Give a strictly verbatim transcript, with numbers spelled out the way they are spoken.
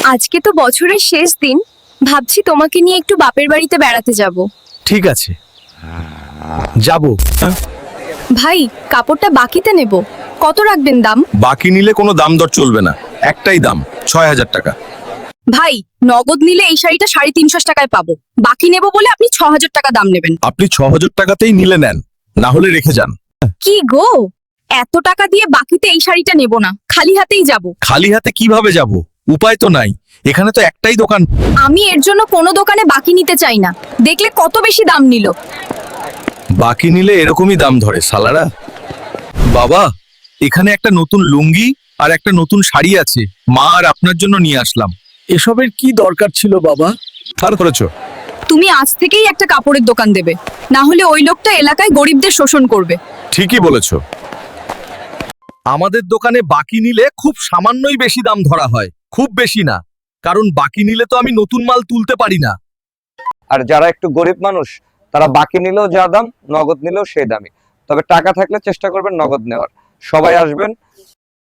আজকে তো বছরের শেষ দিন, ভাবছি তোমাকে নিয়ে একটু বাপের বাড়িতে বেড়াতে যাব। ঠিক আছে, যাব। ভাই, কাপড়টা বাকিতে নেব, কত রাখবেন দাম? বাকি নিলে কোনো দাম দর চলবে না, একটাই দাম, ছয় হাজার টাকা। ভাই, নগদ নিলে এই শাড়িটা সাড়ে তিনশো টাকায় পাবো, বাকি নেব বলে আপনি ছ হাজার টাকা দাম নেবেন। আপনি ছ হাজার টাকাতেই নিলে নেন, না হলে রেখে যান। কি গো, এত টাকা দিয়ে বাকিতে এই শাড়িটা নেব না, খালি হাতেই যাব। খালি হাতে কিভাবে যাব? উপায় তো নাই, এখানে তো একটাই দোকান। আমি এর জন্য কোনো দোকানে বাকি নিতে চাই না, দেখলে কত বেশি দাম নিল। বাকি নিলে এরকমই দাম ধরে সালারা। বাবা, এখানে একটা নতুন লুঙ্গি আর একটা নতুন শাড়ি আছে, মা আর আপনার জন্য নিয়ে আসলাম। এসবের কি দরকার ছিল বাবা? আর করেছো? তুমি আজ থেকেই একটা কাপড়ের দোকান দেবে, না হলে ওই লোকটা এলাকায় গরিবদের শোষণ করবে। ঠিকই বলেছো। আমাদের দোকানে বাকি নিলে খুব সামান্যই বেশি দাম ধরা হয়, খুব বেশি না, কারণ বাকি নিলে তো আমি নতুন মাল তুলতে পারি না। আর যারা একটু গরিব মানুষ তারা বাকি নিলেও যা দাম, নগদ নিলেও সেই দামই। তবে টাকা থাকলে চেষ্টা করবেন নগদ নেওয়ার। সবাই আসবেন,